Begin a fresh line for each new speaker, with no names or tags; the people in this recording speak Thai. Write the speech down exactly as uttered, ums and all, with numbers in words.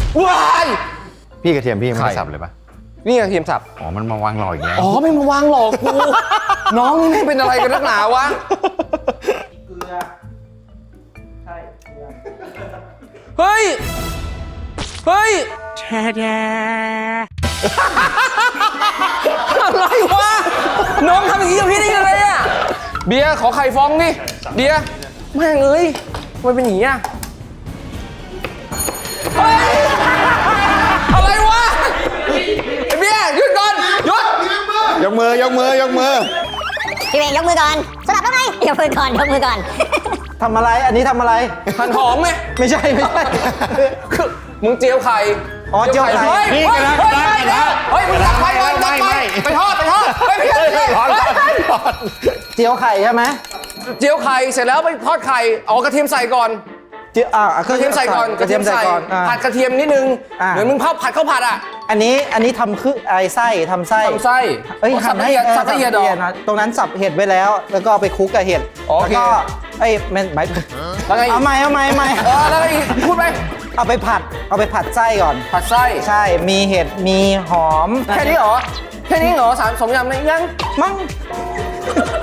ว้าย
พี่กระเทียมพี่ไม่ได้สับเลยปะ
นี่กระเทียมสับ
อ๋อมันมาวางรออีกแล้ว
อ๋อไม่มาวางหลอกกู น้องนี่ไม่เป็นอะไรกันนักหนาวะ
เกลือใช่เกลือ
เฮ้ย เฮ้ยอะไรวะ น้องทำอย่างนี้กับพี่ได้ยังไงอะเบียร์ขอไข่ฟองดิเบียร์แม่งเอ้ยทำไมเป็นอย่างนี้อะเฮ้ย อะไรวะไอ้เบียร์หยุดก่อนหยุด
ยกมือยกมือยกมือ
พี่เวงยกมือก่อนสลับแล้วไงยกมือก่อนยกมือก่อน
ทำอะไร อันนี้ทำอะไร
หั่นหอมไหม
ไม่ใช่ไม่ใช่
คือมึงเจียวไข่
อ๋อเจียวไข่
เฮ้ย
นี่
เฮ้ย
กระทะ
เฮ้ย
กระทะ
เฮ้ยมึงตักไฟก่อนตักไฟไปทอดไปทอดเฮ้ยพี่
เฮ้ย
เฮ้ย
ร้อนร้อน
เฮ้ย
ร้อน
เจียวไข่ใช่ไหม
เจียวไข่เสร็จแล้วไปทอดไข่เอากระเทียมใส่ก่อน
เจียวอ่าก
ระเทียมใส่ก่อน
กระเทียมใส่ก่อนอ่า
ผัดกระเทียมนิดนึง
อ่า
เหมือนมึงเผาผัดข้าวผัดอ่ะ
อันนี้อันนี้ทำคือไอไส้ทำไส้
ทำไส้
เอ้ย
สับละเอียด
ออ
สับละเอียดดอก
นะตรงนั้นสับเห็ดไว้แล้ว แล้วก็เอาไปคลุกกับเห็ด
โอ
แล้ว
เค
ก็ไอ้ยมันหมาย
แล้วไงอีก
เอาใหม่เอาใหม่เอาใหม่
เออแล้วไงอีกพูดไป
เอาไปผัดเอาไปผัดไส้ก่อน
ผัดไส้
ใช่มีเห็ดมีหอม
แค่นี้เหรอแค่นี้เหรอสามสมยำในยัง
มั้ง